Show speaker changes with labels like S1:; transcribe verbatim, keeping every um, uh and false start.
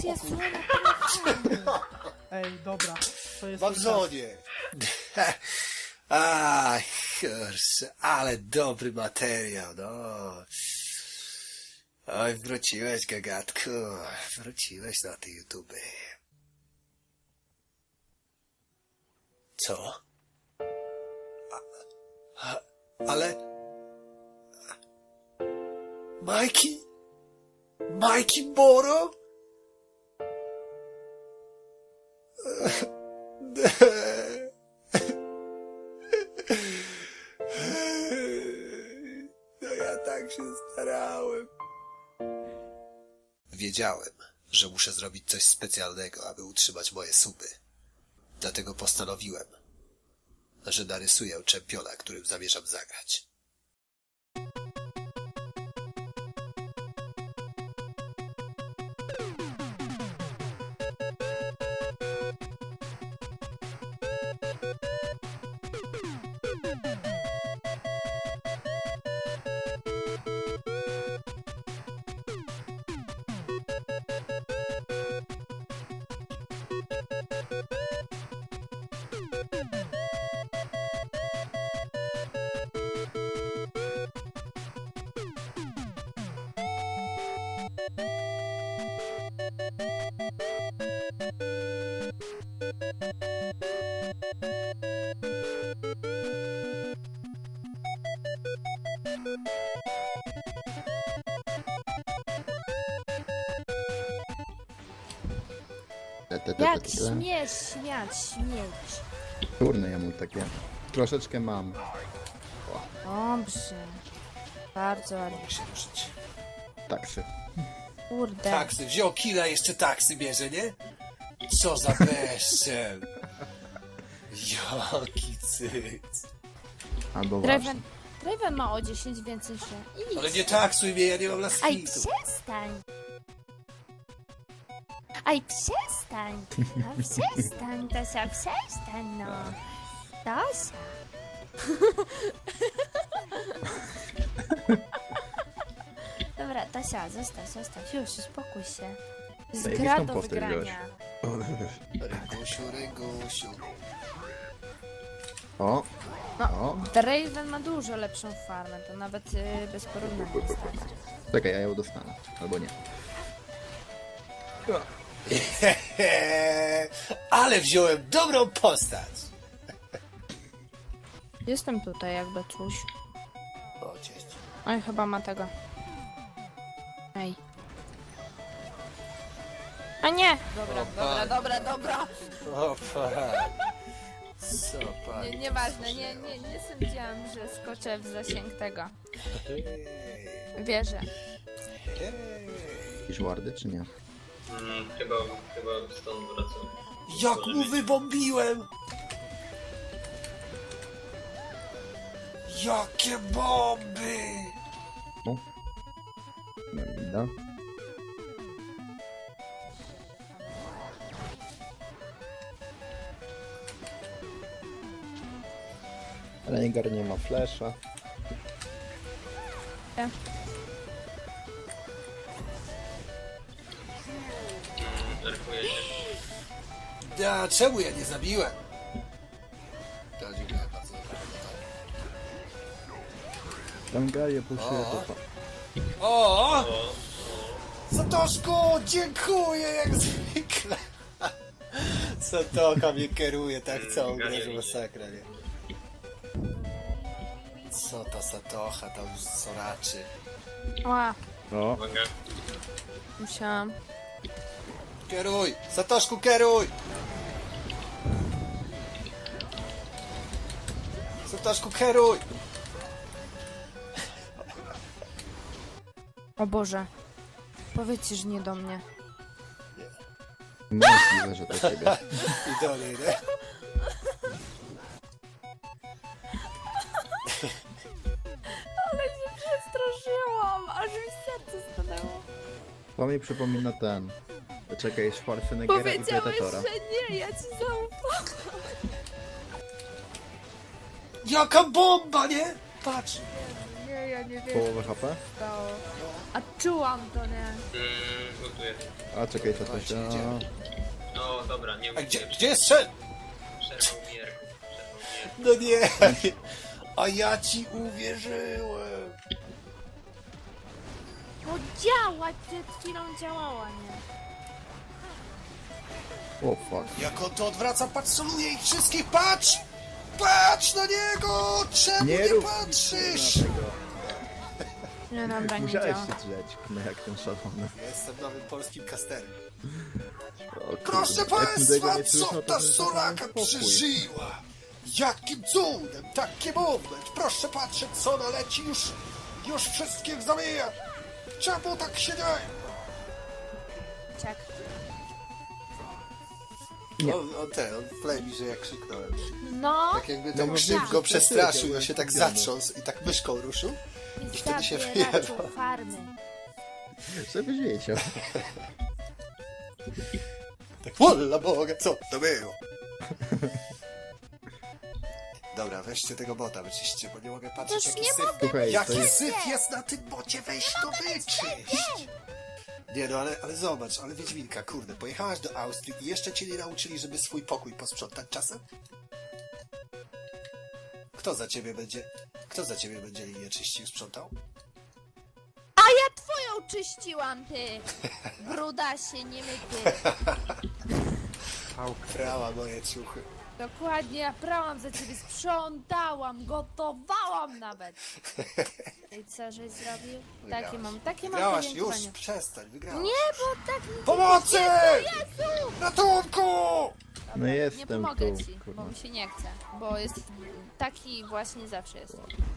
S1: akcja słona.
S2: Ej, dobra, to jest...
S3: Mam żonie. A, kurczę, ale dobry materiał, no. Oj, wróciłeś, gagatku. Wróciłeś na te YouTube. Co? A, a, ale... Majki? Majki Moro? No ja tak się starałem. Wiedziałem, że muszę zrobić coś specjalnego, aby utrzymać moje suby. Dlatego postanowiłem, że narysuję czempiona, którym zamierzam zagrać.
S1: Jak śmiesz śmiać, śmieć.
S4: Turny ja mu takie. Troszeczkę mam.
S1: Dobrze. Bardzo ładnie.
S3: Mogę się ruszyć.
S4: Taksy.
S1: Kurde.
S3: Taksy, wziął killa, jeszcze taksy bierze, nie? Co za bezczel. Jaki cyc.
S4: Albo
S1: Draven,
S4: właśnie.
S1: Draven ma o dziesięć więcej się. Idź.
S3: Ale nie taksuj mnie, ja nie mam
S1: Aj,
S3: laskitu.
S1: przestań. Aj, przestań. No, przestań, Tosia, przestań, no. Tosia. Dobra, Tosia, zostaw, zostaw. Już, uspokój się. Z
S4: Jakiś
S1: gra
S4: tam
S1: do
S4: poster
S1: wygrania.
S3: Rygusiu, Rygusiu.
S4: O!
S1: No,
S4: O!
S1: Draven ma dużo lepszą farmę, to nawet yy, bez porównania jest tak.
S4: Czekaj, ja ją dostanę. Albo nie.
S3: Ale wziąłem dobrą postać.
S1: Jestem tutaj jakby coś.
S3: O, cześć.
S1: Oj, chyba ma tego. Ej. A nie! Dobra, dobra, dobra, dobra.
S3: O, pan. Co pan?
S1: Nie, nieważne, nie, nie, nie sądziłam, że skoczę w zasięg tego. Wierzę.
S4: Jakieś wardy, czy nie?
S5: Mm, chyba, chyba stąd wracam.
S3: Jak mu wybombiłem! Jakie bomby!
S4: O! No winda. Rengar nie ma flesza.
S1: Ja.
S5: Erkuję się.
S3: Ja, czemu ja nie zabiłem? To dziękuję bardzo.
S4: Rengarię puszuje
S3: O.
S4: to.
S3: O!
S5: O,
S3: Satoszku, dziękuję jak zwykle. Satoka mnie kieruje tak całą grę, że masakra, nie? Co ta Satocha tam już soraczy?
S1: Ła,
S4: O!
S5: uwaga.
S1: musiałam.
S3: Kieruj! Satoszku, kieruj! Satoszku, kieruj!
S1: O Boże. Powiedzcie, że nie do mnie.
S4: Możliwe, że to ciebie.
S3: I dalej, nie?
S1: Ale się przestraszyłam, aż mi serce stanęło.
S4: To mi przypomina ten. Czekaj, Schwarzeneggera i
S1: Powiedziałeś,
S4: Predatora.
S1: że nie, ja ci zaufam.
S3: Jaka bomba, nie? Patrz!
S1: Nie, ja nie wiem.
S4: Połowę H P?
S1: Stało. A czułam to, nie?
S5: Mm, gotuję.
S4: A czekaj, to
S3: Dawajcie,
S4: się...
S3: idziemy.
S5: No dobra, nie
S3: A
S5: mówię.
S3: gdzie, gdzie jest szef?
S5: Przerwał mi Jarku. Przerwał mi Jarku.
S3: No nie. A ja ci uwierzyłem.
S1: No działa, przed chwilą działała, nie?
S4: O fuck.
S3: Jak on to odwraca, patrzoluje ich wszystkich, patrz! Patrz na niego! Czemu nie,
S4: Nie rób
S3: patrzysz?
S4: tego.
S1: No dobra, nie
S4: Musiałeś
S1: działa.
S4: się drzeć, no jak ten szalony.
S3: Jestem nowym polskim kasterem.
S4: O kurde,
S3: Proszę
S4: jak tego
S3: państwa,
S4: nie słyszę,
S3: co
S4: to
S3: ta
S4: bym
S3: Soraka
S4: spokój.
S3: przeżyła? Jakim cudem, taki moment! Proszę patrzeć, co ona leci, już, już wszystkich zamija! Czemu tak się dzieje?
S1: Czek.
S4: Nie.
S3: On, on ten, on wklei mi, że ja krzyknąłem.
S1: No,
S3: Tak jakby
S4: No
S3: ten
S4: bo
S3: krzyk
S4: wiem,
S3: go
S4: że
S3: przestraszył,
S4: ty
S3: on się tak
S4: skupiony.
S3: zatrząsł i tak myszką ruszył.
S1: i
S3: wtedy się
S1: zabieraczu
S3: wyjebał.
S1: farmy.
S4: Żebyś wiedział.
S3: Tak, wola Boga, co to było? Dobra, weźcie tego bota, wyczyście, bo nie mogę patrzeć,
S1: Toż
S3: jaki
S1: nie
S3: syf,
S4: Słuchaj, to
S3: jaki
S4: jest...
S3: syf jest na tym bocie, weź to wyczyść! Nie no, ale, ale zobacz, ale Wiedźminka, kurde, pojechałaś do Austrii i jeszcze cię nie nauczyli, żeby swój pokój posprzątać czasem? Kto za ciebie będzie, kto za ciebie będzie linię czyścił, sprzątał?
S1: A ja twoją czyściłam, ty! Brudasie, nie myty.
S3: Prała moje ciuchy.
S1: Dokładnie, ja prałam za ciebie, sprzątałam, gotowałam nawet. I co, żeś zrobił? Takie mam, takie mam
S3: Wygrałaś, już,
S1: podziękowania.
S3: przestań, wygrałaś.
S1: Nie, bo tak mi...
S3: Pomocy!
S1: Jezu!
S3: Ratunku!
S1: Dobra,
S4: No jestem
S1: nie pomogę
S4: tu,
S1: ci,
S4: kurwa.
S1: bo mi się nie chce, bo jest taki właśnie zawsze jest.